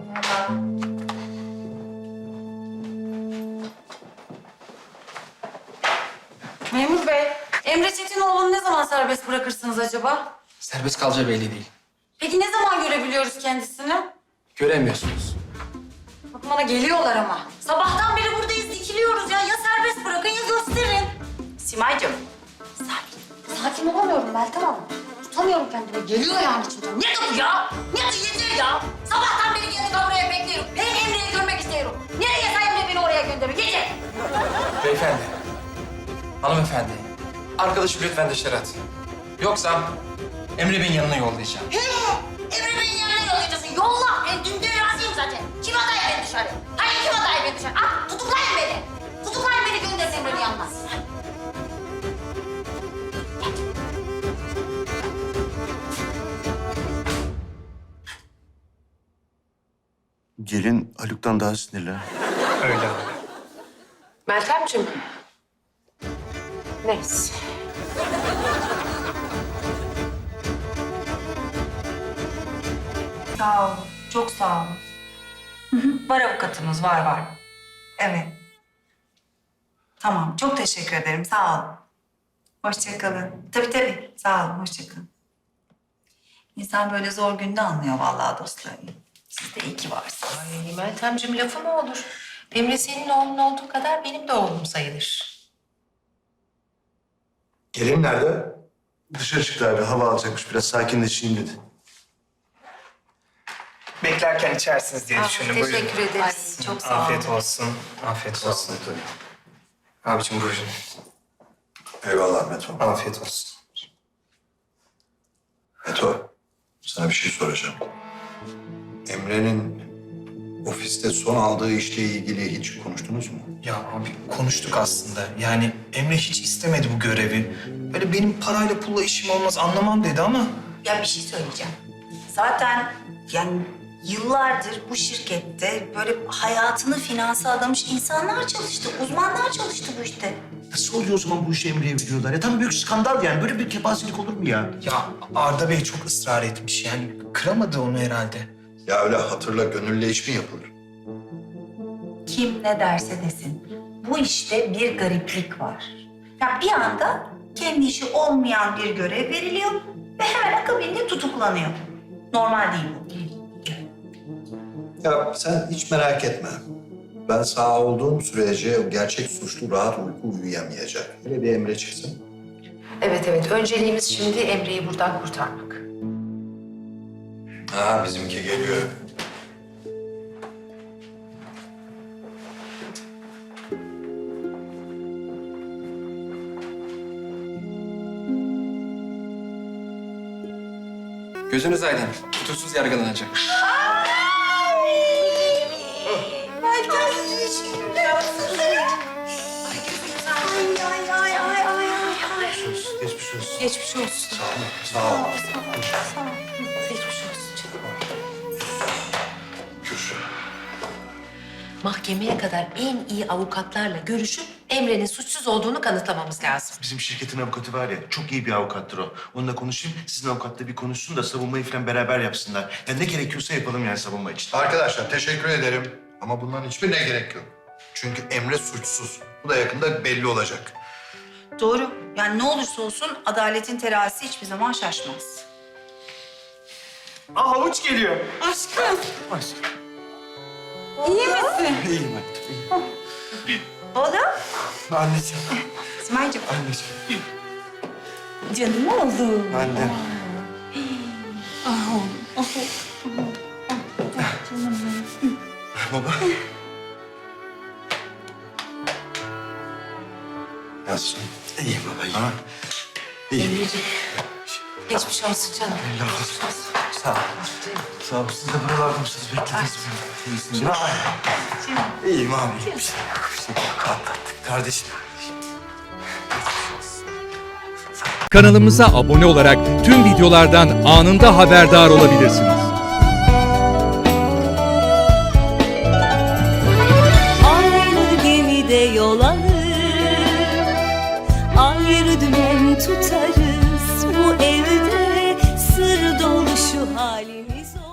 Merhaba. Memur bey, Emre Çetinoğlu'nu ne zaman serbest bırakırsınız acaba? Serbest kalacağı belli değil. Peki ne zaman görebiliyoruz kendisini? Göremiyorsunuz. Bakın bana geliyorlar ama. Sabahtan beri buradayız, dikiliyoruz ya. Ya serbest bırakın ya gösterin. Simay'cığım. Sakin olamıyorum Meltem Hanım. Tutamıyorum kendimi. Geliyor yani içimden. Ne bu ya? Ne yeter ya? Sabahtan beri geldik buraya bekliyorum. Ben Emre'yi görmek istiyorum. Nereye Emre beni oraya gönderiyor? Yeter. Beyefendi, hanımefendi, arkadaşı lütfen dışarı at. Yoksa Emre Bey'in yanına yollayacağım. He! Emre Bey'in yanına yollayacaksın. Yolla. Ben dün razıyım zaten. Kim adayı beni dışarı? Hayır kim adayı beni dışarı? Ah tutuklayın beni. Tutuklayın beni gönderin Emre'nin yanına. Gelin Haluk'tan daha sinirli. Öyle abi. Meltemciğim. Neyse. Sağ olun. Çok sağ olun. Var avukatımız, var. Evet. Tamam, çok teşekkür ederim. Sağ olun. Hoşça kalın. Tabii. Sağ olun, hoşça kalın. İnsan böyle zor günde anlıyor vallahi dostlarını. Siz de iyi ki varsınız. Ay Meltemciğim lafı mı olur? Emre senin oğlun olduğu kadar benim de oğlum sayılır. Gelin nerede? Dışarı çıktı abi. Hava alacakmış. Biraz sakinleşeyim dedi. Beklerken içersiniz diye düşündüm. Buyurun. Teşekkür ederiz. Ay, çok sağ olun. Afiyet olsun. Afiyet olsun. Abicim buyurun. Eyvallah Meto. Afiyet olsun. Meto, sana bir şey soracağım. Emre'nin ofiste son aldığı işle ilgili hiç konuştunuz mu? Ya abi konuştuk aslında. Yani Emre hiç istemedi bu görevi. Böyle benim parayla pulla işim olmaz anlamam dedi ama... Ya bir şey söyleyeceğim. Zaten yani yıllardır bu şirkette böyle hayatını finansa adamış insanlar çalıştı, uzmanlar çalıştı bu işte. Nasıl oluyor o zaman bu işi Emre'ye veriyorlar? Ya tam büyük skandal yani. Böyle bir kepazelik olur mu ya? Ya Arda Bey çok ısrar etmiş yani. Kıramadı onu herhalde. Ya öyle hatırla gönülle iş mi yapılır? Kim ne derse desin, bu işte bir gariplik var. Ya bir anda kendi işi olmayan bir görev veriliyor ve hemen akabinde tutuklanıyor. Normal değil bu. Ya sen hiç merak etme. Ben sağ olduğum sürece o gerçek suçlu rahat uyku uyuyamayacak. Hele bir Emre çıksın. Evet. Önceliğimiz şimdi Emre'yi buradan kurtarmak. Ha bizimki geliyor. Gözünüz aydın. Tutuksuz yargılanacak. Geçmiş olsun. Geçmiş olsun. Sağ ol. Geçmiş olsun canım. Şükür. Mahkemeye kadar en iyi avukatlarla görüşüp Emre'nin suçsuz olduğunu kanıtlamamız lazım. Bizim şirketin avukatı var ya, çok iyi bir avukattır o. Onunla konuşayım, sizin avukatla bir konuşsun da savunmayı falan beraber yapsınlar. Ya ne gerekiyorsa yapalım yani savunma için. Arkadaşlar teşekkür ederim. Ama bunların hiçbirine gerek yok. Çünkü Emre suçsuz. Bu da yakında belli olacak. Doğru. Yani ne olursa olsun adaletin terazisi hiçbir zaman şaşmaz. Aa havuç geliyor. Aşkım, Aşkım. iyi misin? İyiyim hayatım, iyiyim. Oğlum, Anneciğim, Simay'cığım. anneciğim. Canım oğlum. Annem. Baba. Nasılsın? İyiyim baba, iyiyim. Ha? Emre'ciğim. Geçmiş olsun canım. Allah razı olsun. Sağ ol. Sağ ol. Siz de buralarda mısınız? Beklediniz beni. İyisiniz. İyiyim abi. İyiyim. Bir şey yok. Bir şey yok. Atlattık kardeşim. Kanalımıza abone olarak tüm videolardan anında haberdar olabilirsiniz. Aynı gemide yol alır, ayrı dümen tutarız. Bu evde sır dolu şu halimiz olur.